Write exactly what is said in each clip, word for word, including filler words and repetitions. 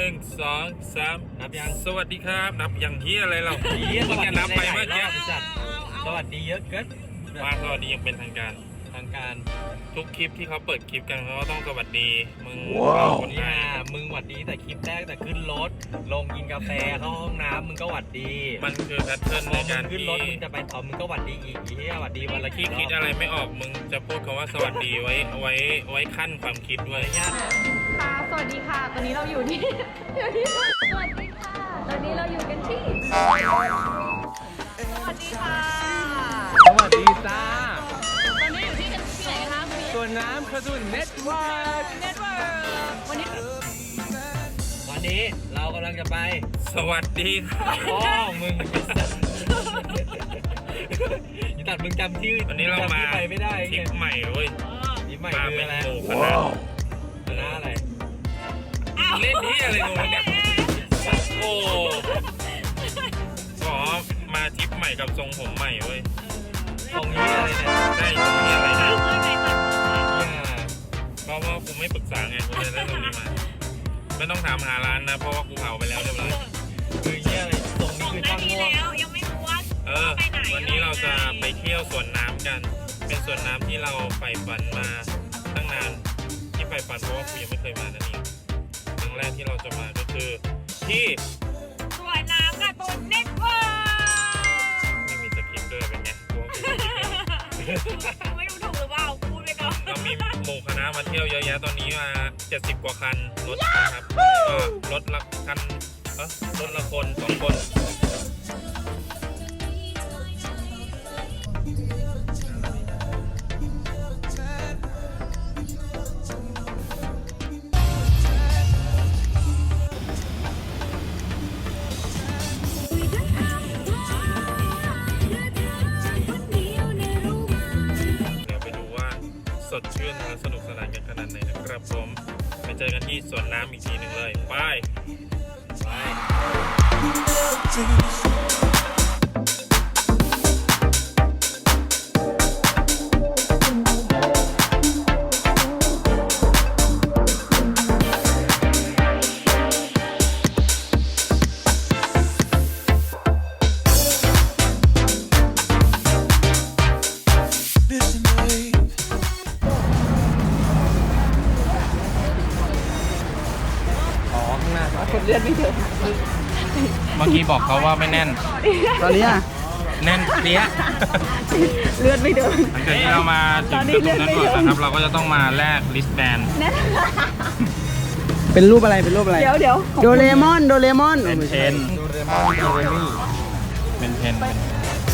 นึ่งสองสามนับยังสวัสดีครับนับอย่างที่อะไรเราเฮียเพิ่งจะนับไปเมื่อกี้จัดสวัสดีเยอะเกินมาสวัสดีอย่างเป็นทางการทางการทุกคลิปที่เขาเปิดคลิปกันเขาก็ต้องสวัสดีมึงคนไทเนี่ยยมึงหวัดดีแต่คลิปแรกแต่ขึ้นรถลงกินกาแฟเข้าห้องน้ำมึงก็หวัดดีมันคือแพทเทิร์นพในอมึกาง รขึ้นที่รถมึงจะไปต่อมึงก็หวัดดีอีกเฮียหวัดดีวันละที่กี่รคิดอบอะไรไม่ออกมึงจะพูดคำว่าสวัสดีไว้ไว้ไว้ขั้นความคิดด้วยญาติค่ะ สวัสดีค่ะ ตอนนี้เราอยู่ที่ อยู่ที่ สวัสดีค่ะ ตอนนี้เราอยู่กันที่ สวัสดีค่ะสวัสดีจ้าตอนนี้อยู่ที่กันที่ไหนคะคุณส่วนน้ำขจุนเน็ตเวิร์กเน็ตเวิร์กวันนี้วันนี้เรากำลังจะไปสวัสดีครับพ่อมึงยี่ตัดมึงจำชื่อวันนี้เรามาจำชื่อไปไม่ได้ทริไงปใหม่เว้ยนี่ใหม่มาคือเป็นอะไรหมู่คณะคณะอะไรเล่นที่อะไรงูเนี่ยโอ้ขอมาทริปใหม่กับทรงผมใหม่เว้ยตรงนี้อะไรเนี่ยใช่ตรงนี้อะไรนะเนี่ยเพราะว่ากูไม่ปรึกษาไงกูเลยได้ตรงนี้มา ไม่ต้องถามหาร้านนะ เพราะว่ากูเผาไปแล้วเรียบร้อยคือเนี่ยอะไรตรงนี้คือช่างม่วงยังไม่รู้ว่าเออ วันนี้เราจะไปเที่ยวสวนน้ำกัน เป็นสวนน้ำที่เราใฝ่ฝันมาตั้งนาน ที่ใฝ่ฝันเพราะว่ากูยังไม่เคยมานั่นเองครั้งแรกที่เราจะมาก็คือที่สวยน้ำกับตุนเน็ตเวิร์กไม่มีสคริปต์ด้วยเป็นไงกูว่ากูคิดไม่ออกไม่รู้ถูกหรือเปล่าพูดไปก่อนเรามีหมู่คณะมาเที่ยวเยอะแยะตอนนี้มาเจ็ดสิบกว่าคันรถนะครับก็รถละคันเออรถละคนสองคนเดี๋ยวไปดูว่าสดชื่นและสนุกสนานกันขนาดไหนนะครับผมไปเจอกันที่สวนน้ำอีกทีหนึ่งเลยไปไปอ๋อข้างหน้าคนเลือดไม่ถึงเมื่อกี้บอกเขาว่าไม่แน่นตอนนี้อ่ะแน่นเปี้ยเลือดไม่เดินหลังจากที่เรามาถึงจุดตรงนั้นก่อนนะครับ เราก็จะต้องมาแลกลิสแบนเป็นรูปอะไร เป็นรูปอะไรเดี๋ยวเดี๋ยวโดเรมอน โดเรมอนเป็นเพนดูเรมอนดูเรมี่เป็นเพนเป็น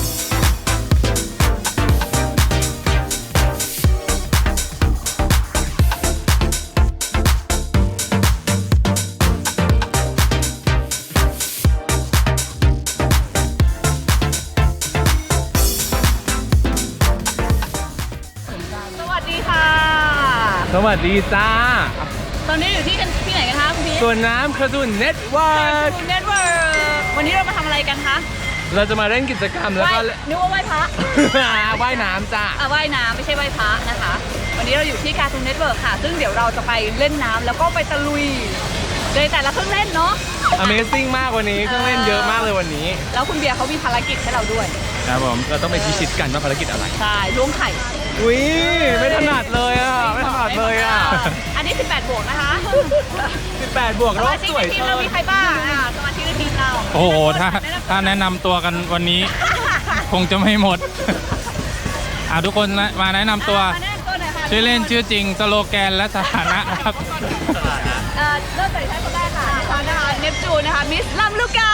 สวัสดีค่ะสวัสดีจ้าตอนนี้อยู่ที่กันที่ไหนกันคะคุณพีส่วนน้ำขจุนเน็ตเวิร์กเน็ตเวิร์กวันนี้เรามาทำอะไรกันคะเราจะมาเล่นกิจกรรมแล้วว่ายก็นึกว่าไหว้พระว่ายน้ำจ้าอ่ะว่ายน้ำไม่ใช่ไหว้พระนะคะ วันนี้เราอยู่ที่การ์ตูนเน็ตเวิร์กค่ะ ซึ่งเดี๋ยวเราจะไปเล่นน้ำแล้วก็ไปตะลุยในแต่ละเครื่องเล่นเนาะ Amazing มากวันนี้เครื่องเล่นเยอะมากเลยวันนี้แล้วคุณเบียร์เขามีภารกิจให้เราด้วยครับผมเราต้องไปพิชิตกันว่าภารกิจอะไรใช่ล้วงไข่อุ้ยไม่ถนัดเลยอ่ะไม่ถนัดเลยอ่ะอันนี้สิบแปดบวกนะคะสิบแปดบวกสรอมาบชิกสวยในทีมเชิเราญมีใครบ้างอ่ะสมาชิกในทีมเราโอ้โหถ้าถ้าแนะนำตัวกันวันนี้ คงจะไม่หมด อ่ะทุกคนนะมาแนะนำตัวมาแนะนำตัวหน่อยค่ะชื่อเล่นชื่อจริงสโลแกนและสถานะครับเอ่อเริ่มจากใช้คนแรกค่ะดิฉันนะคะเนปจูนนะคะมิสลัมลูกา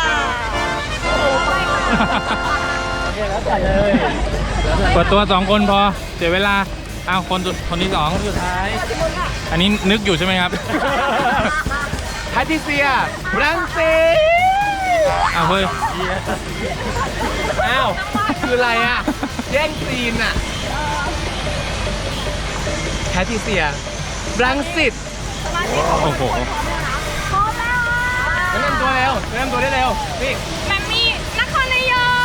เปิดตัวสองคนพอเสียเวลาเอาคนสุดคนที่สองสุดท้าย อันนี้นึกอยู่ใช่ไหมครับแพทริเซียรังสีอ้าวเฮ้ยอ้าวคืออะไรอ่ะแย่งซีนอ่ะแพทริเซียรังสิตสมาชิกโอ้โหพร้อมแล้วแนะนำตัวเร็วแนะนำตัวได้เร็วนี่แมมมี่นครนายก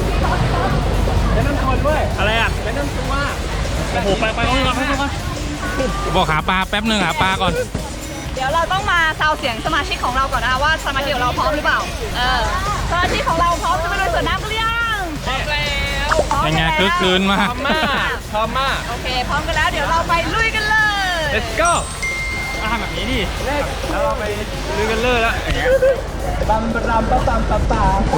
แนะนำตัวด้วยอะไรอ่ะแนะนำตัวโอ้โห ไปไปก่อนไปก่อนบอกหาปลาแป๊บหนึ่งหาปลาก่อนเดี๋ยวเราต้องมาซาวเสียงสมาชิกของเราก่อนนะคะว่าสมาชิกของเราพร้อมหรือเปล่า เออ สมาชิกของเราพร้อมจะไปลุยสวนน้ำกันหรือยังพร้อมแล้วพร้อมยังไงแล้วคึกคืนพมากร้อมมากพร้อมมากโอเค พร้อมกันแล้ว เดี๋ยวเราไปลุยกันเลย let's go ทำแบบนี้ดิแล้วเราไปลุยกันเลยแล้วอย่างเงี้ยบัมบรัมปั๊มปั๊มปั๊มปั๊ม